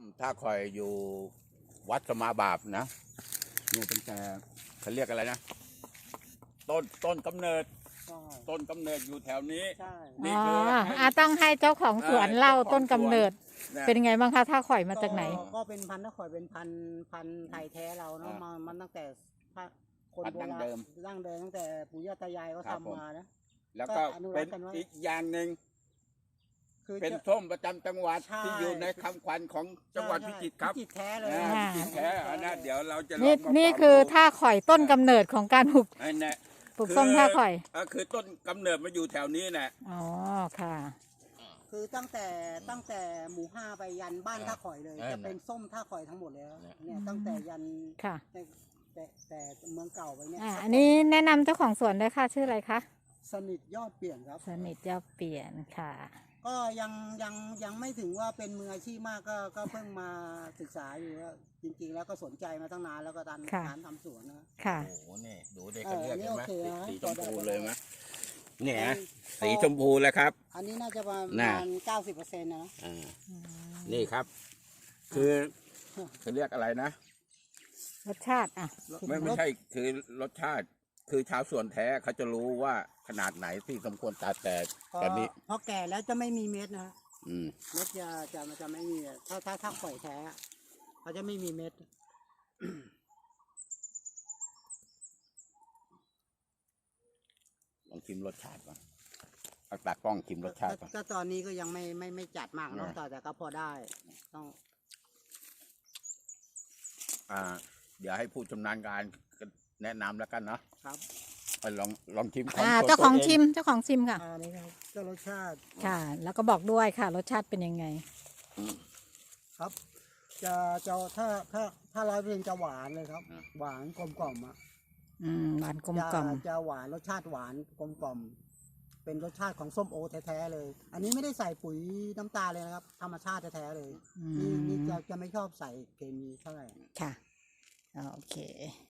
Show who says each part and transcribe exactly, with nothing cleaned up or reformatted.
Speaker 1: ถ้าคอยอยู่วัดสมาบาปนะนี่ตั้งแต่เขาเรียกอะไรนะต้นต้นกำเนิด
Speaker 2: ใช่
Speaker 1: ต้นกำเนิดอยู่แถวนี้
Speaker 2: ใช่
Speaker 1: นี่
Speaker 3: อ๋อ
Speaker 1: คือ
Speaker 3: อ่ะต้องให้เจ้าของสวนเล่าต้นกำเนิด
Speaker 1: นะ
Speaker 3: เป็นไงบ้างคะถ้าข่อยมาจากไหน
Speaker 2: ก็เป็นพันธุ์ถ้าข่อยเป็นพันธุ์พันธุ์ไทยแท้เราเนาะมามันตั้งแต่คน
Speaker 1: พันธุ์
Speaker 2: โบ
Speaker 1: ดั้ง
Speaker 2: ราณ
Speaker 1: เดิม
Speaker 2: ดั้งเดิมตั้งแต่ปู่ย่าตายายเขา
Speaker 1: ครับผม
Speaker 2: ทำมานะ
Speaker 1: แล้วก็
Speaker 2: ก็อนุรั
Speaker 1: เป็
Speaker 2: ก
Speaker 1: น
Speaker 2: ษ์กันไว้
Speaker 1: อีกอย่างหนึ่ง
Speaker 2: คือ
Speaker 1: เป็น
Speaker 2: จะ
Speaker 1: ส้มประจำจังหวัด
Speaker 2: ใช่
Speaker 1: ที่อยู่ในคำขวัญของจังหวัดพิจิตรครับ
Speaker 2: พิจิตรแท้เลย
Speaker 1: อ่า
Speaker 3: อ่า
Speaker 1: พิจิตรแท้อันนั้นเดี๋ยวเราจะลอง
Speaker 3: นี่
Speaker 1: มา
Speaker 3: นี่
Speaker 1: ปรับ
Speaker 3: คือ
Speaker 1: ดู
Speaker 3: ท่าข่อยต้นกำเนิดของการปลูก
Speaker 1: ไอ้เนี่ย
Speaker 3: ปลูกส้มท่าข่อย
Speaker 1: เออคือต้นกำเนิดมาอยู่แถวนี้แหละ
Speaker 3: อ๋อค่ะ
Speaker 2: คือตั้งแต่ตั้งแต่หมู่ห้าไปยันบ้านท่าข่อยเลย
Speaker 1: เออ
Speaker 2: จะเป็นส้มท่าข่อยทั้งหมดเลยครับ
Speaker 1: เนี่ย
Speaker 2: เนี่ยตั้งแต่ยัน
Speaker 3: ค่ะ
Speaker 2: แต่แต่แต่เมืองเก่าไปเนี่ย
Speaker 3: อ่าอันนี้แนะนำเจ้าของสวนด้วยค่ะชื่ออะไรคะ
Speaker 2: สนิทยอดเปลี่ยนครับ
Speaker 3: สนิทยอดเปลี่ยนค่ะ
Speaker 2: ก็ยังยังยังไม่ถึงว่าเป็นมืออาชีพมากก็ก็เพิ่งมาศึกษาอยู่ว่าจริงๆ แล้วก็สนใจมาตั้งนานแล้วก็ตอน
Speaker 3: ค่ะ
Speaker 2: การทำสวนนะ
Speaker 3: ค่ะ
Speaker 1: โอ้โหนี่ดูเด็กกันเลือก
Speaker 2: เออ
Speaker 1: เห็นไหม
Speaker 2: โอเคนะ
Speaker 1: สีชมพูเลยไหม
Speaker 2: เออ
Speaker 1: เนี่ยนะสีชมพูเลยครับ
Speaker 2: อันนี้น่าจะประ
Speaker 1: น่ะ
Speaker 2: มาณเก้าสิบเปอร์เซ็นต์นะ
Speaker 1: อ่านี่ครับ คือเขาเรียกอะไรนะ
Speaker 3: รสชาติอ่ะ
Speaker 1: ไม่ไม่ใช่คือรสชาติ คือชาวสวนแท้เขาจะรู้ว่าขนาดไหนที่สมควรตัดแต่
Speaker 2: พอ
Speaker 1: แต่นี้
Speaker 2: พอแก่แล้วจะไม่มีเม็ดนะ
Speaker 1: อืม
Speaker 2: เม็ดจะจะจะไม่มีถ้าถ้าถ้าข่อยแท้เขาจะไม่มีเม็ด
Speaker 1: ลองชิมรสชาติก่อนเอาตากล้องชิมรสชาติก่อน
Speaker 2: ก็ตอนนี้ก็ยังไม่ไม่ไม่จัดมากเนอะ
Speaker 1: นะ
Speaker 2: แต่แต่ก็พอได้ต้อง
Speaker 1: อ่า เดี๋ยวให้ผู้ชำนาญการแนะนำแล้วกันเนาะ
Speaker 2: ครับ
Speaker 1: เอาลองลองชิมของ
Speaker 3: อ่า
Speaker 1: ตัว
Speaker 3: เจ้าของ
Speaker 1: ตัว
Speaker 3: ชิมเจ้าของชิมค่ะ
Speaker 2: อันนี้ครับก็รสชาติ
Speaker 3: ค่ะ แล้วก็บอกด้วยค่ะ รสชาติเป็นยังไง
Speaker 2: ครับ จะจะถ้าถ้าถ้าร้อยเปอร์เซ็นต์จะหวานเลยครับ หวานกลมกล่อมอ่ะ
Speaker 3: อืมหวานกลม
Speaker 2: จะ
Speaker 3: กล่อม
Speaker 2: จะหวานรสชาติหวานกลมกล่อม เป็นรสชาติของส้มโอแท้ๆเลย อันนี้ไม่ได้ใส่ปุ๋ยน้ำตาลเลยนะครับ ธรรมชาติแท้ๆเลย
Speaker 3: อื
Speaker 2: นี่นี่
Speaker 3: ม
Speaker 2: จะจะไม่ชอบใส่เคมีเท่าไหร่
Speaker 3: ค่ะโอเค